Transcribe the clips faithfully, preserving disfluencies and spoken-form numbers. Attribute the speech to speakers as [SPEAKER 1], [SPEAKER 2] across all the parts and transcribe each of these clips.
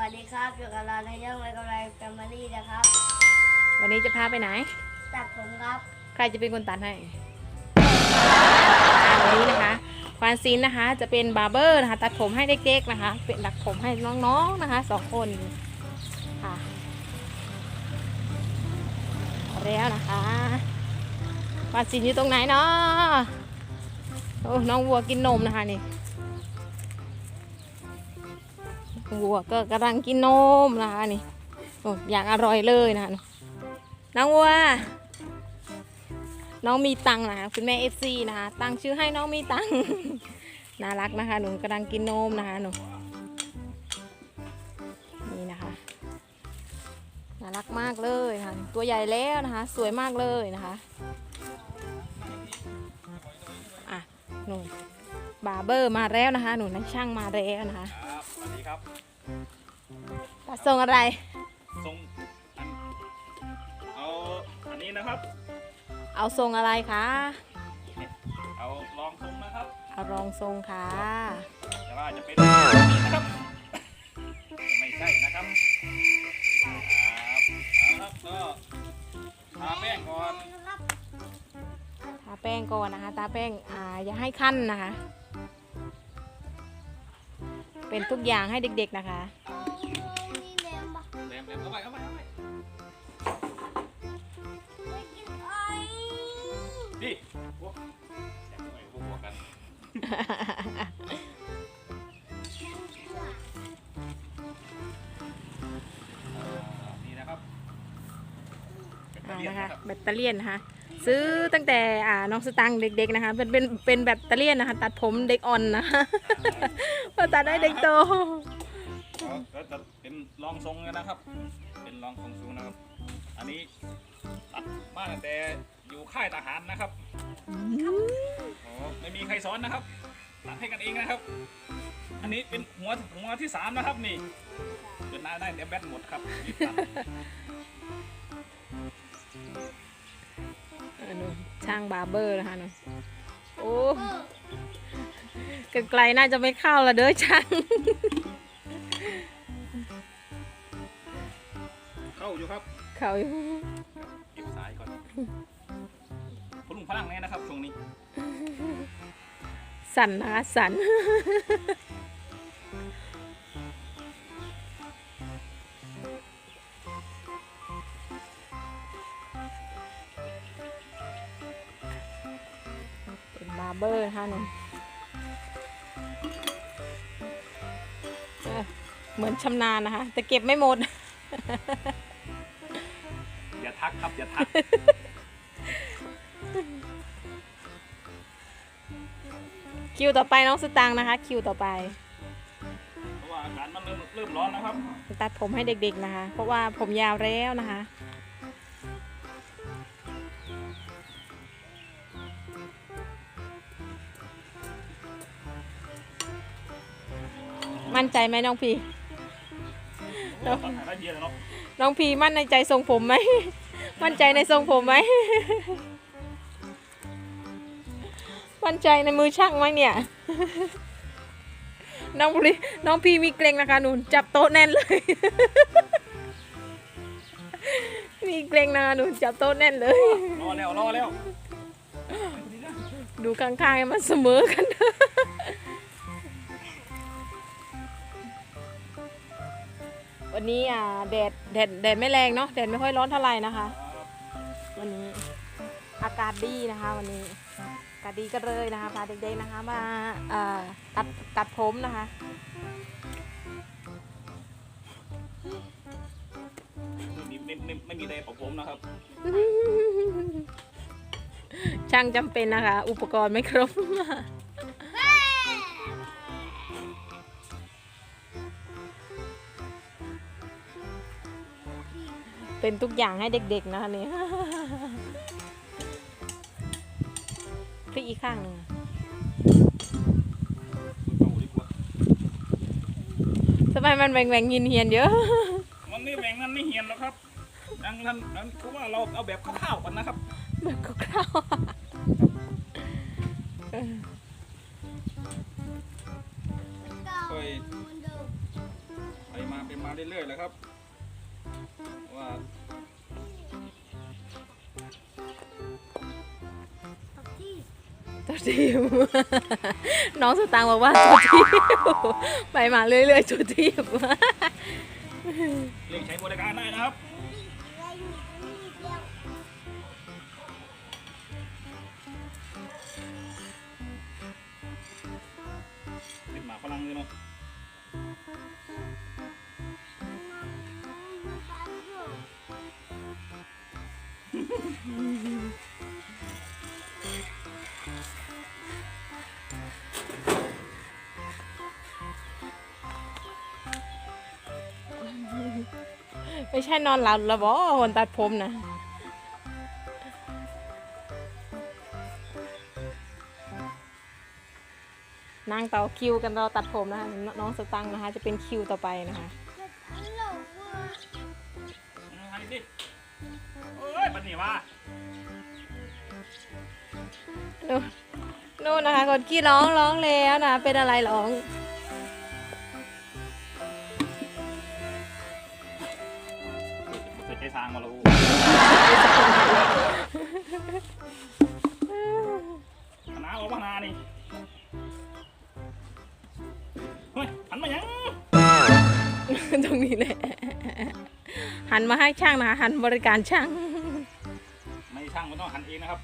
[SPEAKER 1] วัสดีครับอยู่กับเราในเรื่องไมโครไลฟ์แฟมิลี่นะครับ
[SPEAKER 2] วันนี้จะพาไปไหน
[SPEAKER 1] ตัดผมครับ
[SPEAKER 2] ใครจะเป็นคนตัดให้วันนี้นะคะควานซินนะคะจะเป็นบาร์เบอร์นะคะตัดผมให้เด็กๆนะคะเป็นตัดผมให้น้องๆนะคะสองคนค่ะแล้วนะคะควานซินอยู่ตรงไหนเนาะโอ้น้องวัวกินนมนะคะนี่วัวก็กำลังกินนมนะคะนี่โอ้อย่างอร่อยเลยนะคะน้องวัวน้องมีตังนะคะคุณแม่เอฟซีนะคะตั้งชื่อให้น้องมีตังน่ารักนะคะหนูกำลังกินนมนะคะหนูนี่นะคะน่ารักมากเลยค่ะตัวใหญ่แล้วนะคะสวยมากเลยนะคะอ่ะหนูบาร์เบอร์มาแล้วนะคะหนูนักช่างมาแล้วนะคะ
[SPEAKER 3] ครับสวัสดีครับ
[SPEAKER 2] ตัดทรงอะไร
[SPEAKER 3] ทรงเอาอันนี้นะครับ
[SPEAKER 2] เอาทรงอะไรคะ
[SPEAKER 3] เอาลองทรงนะครับ
[SPEAKER 2] เอารองทรงค่ะ
[SPEAKER 3] แต่ว่าจะเป็นนี้นะครับไม่ใช่นะครับครับก็ทาแป้งก่อน
[SPEAKER 2] ทาแป้งก่อนนะคะทาแป้งอ่าอย่าให้ขั้นนะคะเป็นทุกอย่างให้เด็กๆนะคะ
[SPEAKER 3] แหลมแหลมเข้าไปเข้าไปเข้าไปดิโอ้แหลมเข้าไปบวกกันนี่นะครับ
[SPEAKER 2] นะคะแบตเตอรี่นะคะซื้อตั้งแต่อ่าน้องสตังค์เด็กๆนะคะเป็นเป็นเป็นแบตเตอรี่นะคะตัดผมเด็กอ่อนนะพอตัดได้เด็กโต
[SPEAKER 3] ก็จะเป็นรองทรงนะครับ เป็นรองทรงสูงนะครับ อันนี้ตัดมาตั้งแต่อยู่ค่ายทหารนะครับโอ้ไม่มีใครสอนนะครับตัดให้กันเองนะครับ อันนี้เป็นหัวหัวที่สามนะครับนี่จนหน้าได้แต่แบตหมดครับ
[SPEAKER 2] ช่างบาร์เบอร์นะคะหนูโอ้ไกลๆน่าจะไม่เข้าละเด้อช่าง
[SPEAKER 3] เข้าอยู่ครับ
[SPEAKER 2] เข้าอยู่
[SPEAKER 3] เก็บสายก่อนพลุงพลังแน่นะครับช่วงนี้
[SPEAKER 2] สั่นนะคะสั่นเป็นบาร์เบอร์ค่ะหนูเหมือนชำนาญนะคะแต่เก็บไม่หมด
[SPEAKER 3] อย่าทักครับอย่าทัก
[SPEAKER 2] คิวต่อไปน้องสตางค์นะคะคิวต่อไป
[SPEAKER 3] เพราะว่าอากาศมันเริ่มเริ่มร้อนนะครับ
[SPEAKER 2] ตัดผมให้เด็กๆนะคะเพราะว่าผมยาวแล้วนะคะมั่นใจไหมน้องพีน้องพีมั่นในใจทรงผมไหมมั่นใจในทรงผมไหมมั่นใจในมือช่างไหมเนี่ยน้องพีน้องพีมีเกรงนะคะหนูจับโต๊ะแน่นเลยมีเกรงนะคะหนูจับโต๊ะแน่นเลย
[SPEAKER 3] รอแล้วรอแล้ว
[SPEAKER 2] ดูข้างๆให้มันเสมอกันวันนี้อ่าแดดแดดแดดไม่แรงเนาะแดดไม่ค่อยร้อนเท่าไหร่นะคะวันนี้อากาศดีนะคะวันนี้อากาศดีก็เลยนะคะพาเด็กๆนะคะมาอ่าตัดตัดผมนะคะ
[SPEAKER 3] ไม่ไม่ไม่มีอะไรปะผมนะครับ
[SPEAKER 2] ช่างจำเป็นนะคะอุปกรณ์ไม่ครบเป็นทุกอย่างให้เด็กๆนะคะนี่พลิกอีกข้างหนึ่งทำไมมันแหว่งแหว่งเฮียนๆเยอะ
[SPEAKER 3] มันไม่แหว่งมันไม่เฮียนหรอกครับดังนั้นเพราะว่าเราเอาแบบคร่าวๆกันนะครับ
[SPEAKER 2] แบบคร่าว
[SPEAKER 3] ๆไปไปมาไปมาเรื่
[SPEAKER 2] ตัวทีม น้องสตางค์บอกว่าตัวทีม ไปมาเรื่อยๆตัวทีม
[SPEAKER 3] เรียกใช้บริการได้นะครับเป็นหมาฝรั่งเลยเนาะ
[SPEAKER 2] ไม่ใช่นอนหลับแล้วบอคนตัดผมนะนั่งต่อคิวกันรอตัดผมนะคะน้องสตังค์นะคะจะเป็นคิวต่อไปนะคะ
[SPEAKER 3] ให้ดิเอ้ยปันนี่ว่า
[SPEAKER 2] นู่นนู่นนะคะคนขี้ร้องร้องแล้วนะเป็นอะไรร้อง
[SPEAKER 3] เคยใจทางมาแล้วคณะออกมานานี่เฮ้ยหันมายัง
[SPEAKER 2] ตรงนี้แหละหันมาให้ช่างนะคะหันบริการช่าง
[SPEAKER 3] ไม่ช่างมันต้องหันเองนะครับ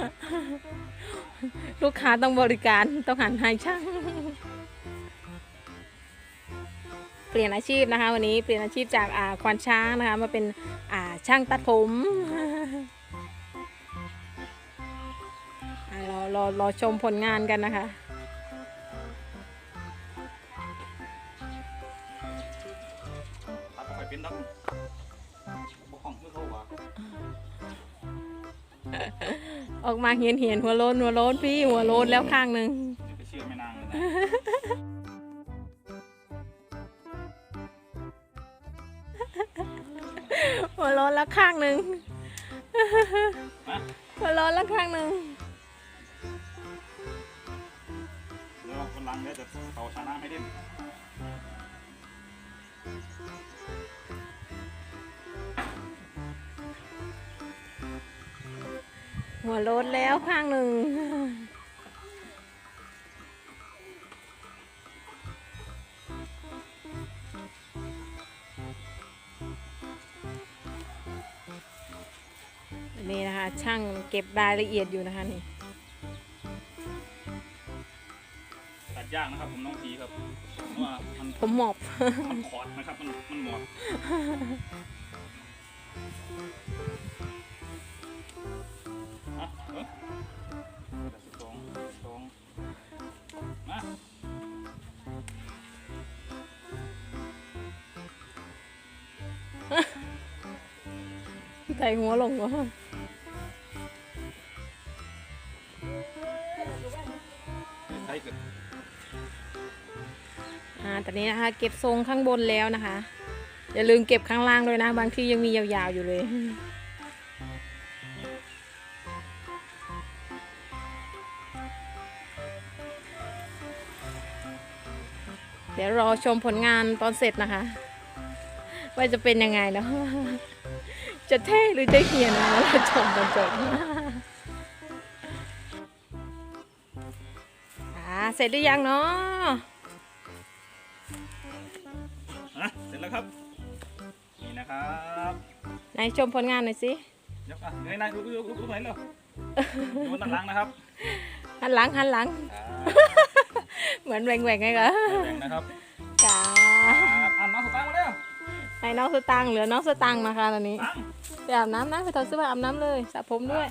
[SPEAKER 2] ลูกค้าต้องบริการต้องหันให้ช่าง เปลี่ยนอาชีพนะคะวันนี้เปลี่ยนอาชีพจากอ่าควานช้างนะคะมาเป็นอ่าช่างตัดผม อ่ารอรอรอชมผลงานกันนะคะ
[SPEAKER 3] ตัดไปเป็นดังบุกห้องเพื่อเข้าว่า
[SPEAKER 2] ออกมาเหียนเหียนหัวโลนหัวโลนพี่หัวโลนแล้วข้างหนึ่ง
[SPEAKER 3] ไปเชื่อไม่นางเลยนะ
[SPEAKER 2] หัวโลนแล้วข้างหนึ่ง
[SPEAKER 3] มา
[SPEAKER 2] หัวโลนแล้วข้างหนึ่ง
[SPEAKER 3] เดี๋ยวคนหลังเดี๋ยวจะเป่าชาน้ำให้เด่น
[SPEAKER 2] หัวโลนแล้วข้างหนึ่ง นี่นะคะช่างเก็บรายละเอียดอยู่นะคะนี่
[SPEAKER 3] ตัดยากนะครับผมน้องพีครับเพราะว่ามัน
[SPEAKER 2] ผมหมอบ
[SPEAKER 3] มันขอดนะครับมันมันหมดอ่ะเออสองสองมา
[SPEAKER 2] ใส่หัวลงวะ
[SPEAKER 3] ใช้เกิด
[SPEAKER 2] อ่าตอนนี้นะคะเก็บทรงข้างบนแล้วนะคะ อย่าลืมเก็บข้างล่างด้วยนะบางที่ยังมียาวๆอยู่เลย เดี๋ยวรอชมผลงานตอนเสร็จนะคะ ว่าจะเป็นยังไงเนาะ จะเท่หรือจะเหียนนะเราชมตอนจบ อ่าเสร็จหรือยังเนาะ
[SPEAKER 3] อ่ะเสร็จแล้วครับนี่นะครับ
[SPEAKER 2] ไหนชมผลงานหน่อยสิ
[SPEAKER 3] ยกอ่ะเงยหน้าดูดูดูดูหน่อยเร็วดูบนด้านหลังนะครับ
[SPEAKER 2] หันหลังหันหลัง
[SPEAKER 3] อ่า
[SPEAKER 2] เหมือนแหว่งๆไงกะ
[SPEAKER 3] แบ่งนะครับ
[SPEAKER 2] กา
[SPEAKER 3] ครับอ่ะน้องสตางค์มาเร็ว
[SPEAKER 2] ให้น้องสตังค์เหลือน้องสตังค์นะคะตอนนี้
[SPEAKER 3] ตัง
[SPEAKER 2] ไปอาบน้ำนะไปถอดเสื้อผ้าอาบน้ำเลยสระผมด้วย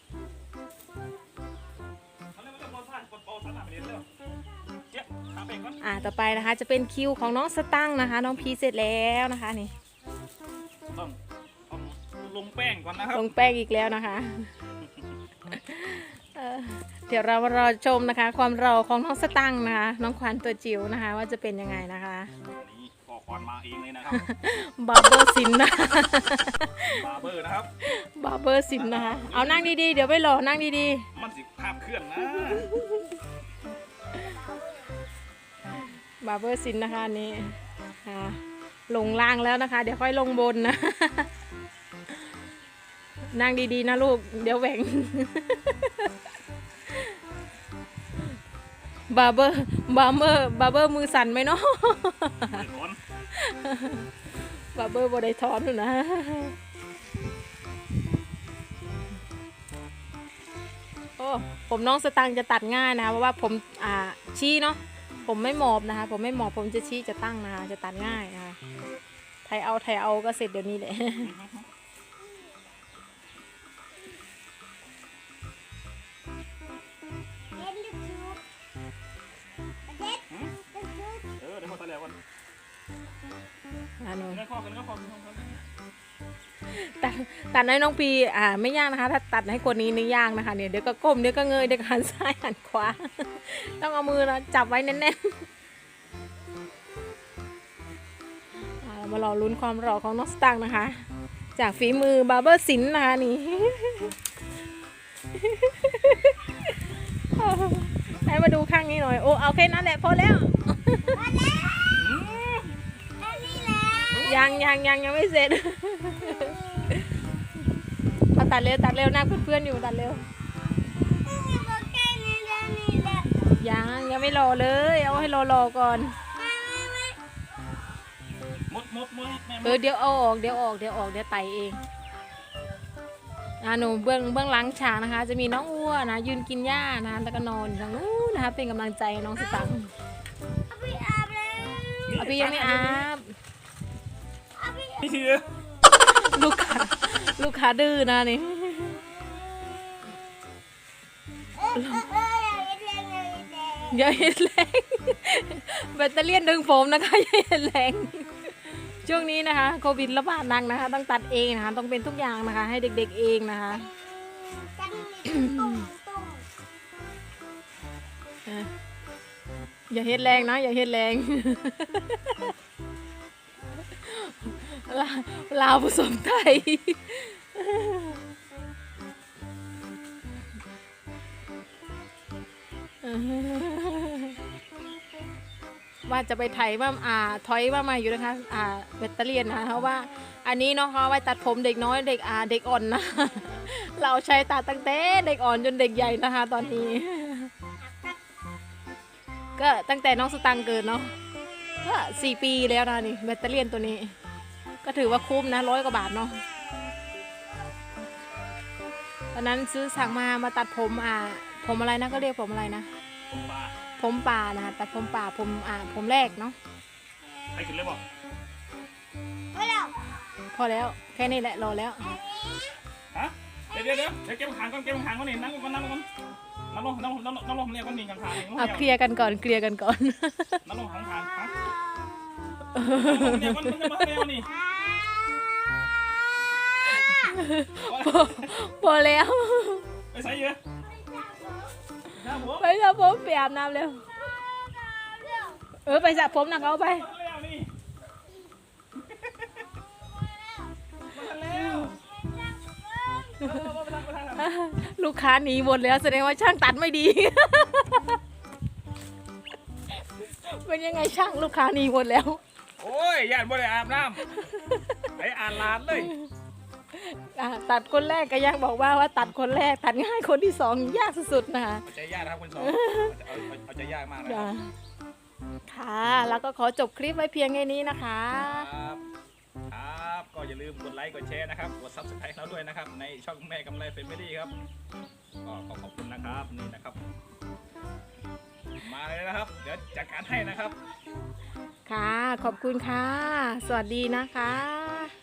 [SPEAKER 3] มาเร็วมาเร็วโดนผ่านกดโปรสามารถไปเรียนเร็วเจ๊ทำเองก่อน
[SPEAKER 2] อ่าต่อไปนะคะจะเป็นคิวของน้องสตังค์นะคะ น้องพีเสร็จแล้วนะคะนี่
[SPEAKER 3] ต้องต้องลงแป้งก่อนนะครับ
[SPEAKER 2] ลงแป้งอีกแล้วนะคะ เอ่อเดี๋ยวเรามารอชมนะคะ ความรอของน้องสตังค์นะคะน้องขวัญตัวจิ๋วนะคะ ว่าจะเป็นยังไงนะคะ
[SPEAKER 3] นี่ขอคอนมาเองเลยนะครับ
[SPEAKER 2] บาร์เบอร์สินนะ
[SPEAKER 3] บาร์เบอร์นะครับ
[SPEAKER 2] บาร์เบอร์สินนะคะเอานั่งดีๆเดี๋ยวไปรอนั่งดี
[SPEAKER 3] มันสิภาพเคลื่อนนะ
[SPEAKER 2] ๆบาร์เบอร์สินนะคะอันนี่ค่ะลงล่างแล้วนะคะ เดี๋ยวค่อยลงบนนะ นั่งดีๆนะลูกเดี๋ยวแหว่งบาร์เบอร์บาร์เบอร์บาร์เบอร์มือสั่นไหมเนาะ
[SPEAKER 3] ถอน
[SPEAKER 2] บาร์เบอร์บอได้ถอนอยู่นะโอ้ผมน้องสตังค์จะตัดง่ายนะคะเพราะว่าผมอ่าชี้เนาะผมไม่หมอบนะคะผมไม่หมอบผมจะชี้จะตั้งนะคะจะตัดง่ายนะคะไทยเอาไทยเอาก็เสร็จเดี๋ยวนี้แหละ
[SPEAKER 1] เล่นลูกชุบเด็ดลูกชุบ
[SPEAKER 3] เออเดี๋ยวพอตะแล้วกัน
[SPEAKER 2] อ่าหนู
[SPEAKER 3] เนื้อข้อกันเนื้อข้อกัน
[SPEAKER 2] ตัดตัดให้น้องปีอ่าไม่ยากนะคะ ถ้าตัดให้คนนี้นี่ยากนะคะเนี่ยเดี๋ยวก็ก้มเดี๋ยวก็เงยเดี๋ยวก็หันซ้ายหันขวา ต้องเอามือนะจับไว้แน่นๆอ่าเรามารอลุ้นความหล่อของน้องสตังค์นะคะ จากฝีมือบาร์เบอร์สินนะคะนี่ ให้มาดูข้างนี้หน่อยโอ้เอาแค่นั้นแหละพอแล้ว
[SPEAKER 1] มาแล้วแค่นี้แหละ
[SPEAKER 2] ยังยังยังยังไม่เสร็จ เอาตัดเร็วตัดเร็วนะเพื่อนๆอยู่ตัดเร็ว
[SPEAKER 1] บอกแค่นี้แหละนี่แหละ
[SPEAKER 2] ยังยังไม่รอเลยเอาให้รอรอก่อน
[SPEAKER 1] ไม่ไม่ไม่
[SPEAKER 3] มดมดมดแม่
[SPEAKER 2] เออเดี๋ยวเอาออกเดี๋ยวออกเดี๋ยวออกเดี๋ยวไตเองอ่าหนูเบื้องเบื้องหลังฉากนะคะ จะมีน้องอ้วนนะยืนกินหญ้านะแล้วก็นอนอยู่ทางนู้นนะคะเป็นกำลังใจน้องสตังค์
[SPEAKER 1] เอาไปอาบแล้ว
[SPEAKER 2] เอาพี่ยังไม่อาบ
[SPEAKER 1] เอาไป
[SPEAKER 3] นี่คือ
[SPEAKER 2] ลูกค้าลูกค้าดื้อนะนี่
[SPEAKER 1] เออเออเอออย่าเห็นแรงอย่าเห็นแรง
[SPEAKER 2] อย่าเห็นแรงแบตเตอรี่ยนดึงผมนะคะอย่าเห็นแรงช่วงนี้นะคะโควิดระบาดหนักนะคะต้องตัดเองนะคะต้องเป็นทุกอย่างนะคะ ให้เด็กๆเองนะคะ
[SPEAKER 1] กันนี่ตุ้มตุ้ม
[SPEAKER 2] อ่ะอย่าเห็นแรงนะอย่าเห็นแรง ลาลาวผสมไทย ว่าจะไปไถว่าอ่าถอยว่ามาอยู่นะคะอ่าแบตเตอรี่นะคะเพราะว่าอันนี้เนาะเขาไว้ตัดผมเด็กน้อยเด็กอ่าเด็กอ่อนนะ เราใช้ตัดตั้งแต่เด็กอ่อนจนเด็กใหญ่นะคะ ตอนนี้ ก็ตั้งแต่น้องสตังค์เกิดเนาะก็สี่ปีแล้วนะนี่แบตเตอรี่ตัวนี้ ก็ถือว่าคุ้มนะร้อยกว่าบาทเนาะตอนนั้นซื้อสั่งมามาตัดผมอ่าผมอะไรนะก็เรียกผมอะไรนะ
[SPEAKER 3] ปลา
[SPEAKER 2] ผมป่านะคะตัดผมป่าผมอ่าผมแรกเนาะ
[SPEAKER 3] ใครขึ้นเลยบอก
[SPEAKER 1] ไปแล้ว
[SPEAKER 2] พอแล้วแค่นี้แหละรอแล้ว
[SPEAKER 3] ฮะเดี๋ยวเดี๋ยวเดี๋ยวเดี๋ยวเก็บหางก่อนเก็บหางก่อนนี่นั่งก่อนนั่งก่อนนั่งลงนั่งลงนั่งลงนั่งลงเนี่ยก็มีหางหาง
[SPEAKER 2] เอาเคลียร์กันก่อนเคลียร์กันก่อน
[SPEAKER 3] นั่งลงหางหางฮะเนี่ยมันจะมาเร็วนี่
[SPEAKER 2] พอแล้ว
[SPEAKER 3] ไปใส่เยอะนะผม
[SPEAKER 2] ไปสระผมไปอาบน้ำเร็วเออไปสระผมนะเอาไป
[SPEAKER 3] เร็วนี่มาเร็ว
[SPEAKER 2] ลูกค้าหนีหมดแล้วแสดงว่าช่างตัดไม่ดี เป็นยังไงช่างลูกค้าหนีหมดแล้ว
[SPEAKER 3] โอ้ยญาติบ่ได้อาบน้ำไอ้อ่านลานเลย
[SPEAKER 2] อ่ะตัดคนแรกก็ยังบอกว่าว่าตัดคนแรกตัดง่ายคนที่สองยากสุดๆนะคะ
[SPEAKER 3] เอาใจยากนะครับคุณสองเอาเอาใจยากมากนะค
[SPEAKER 2] จ้ะ
[SPEAKER 3] รับ
[SPEAKER 2] ค่ะ แล้วก็ขอจบคลิปไว้เพียงแค่นี้นะคะ
[SPEAKER 3] ครับครับก็อย่าลืมกดไลค์กดแชร์นะครับกดซับสไครต์เราด้วยนะครับในช่องแม่กำไรเฟมิลี่ครับก็ขอขอบคุณนะครับนี่นะครับ มาเลยนะครับ เดี๋ยวจัดการให้นะครับ
[SPEAKER 2] ค่ะ ขอบคุณค่ะ สวัสดีนะคะ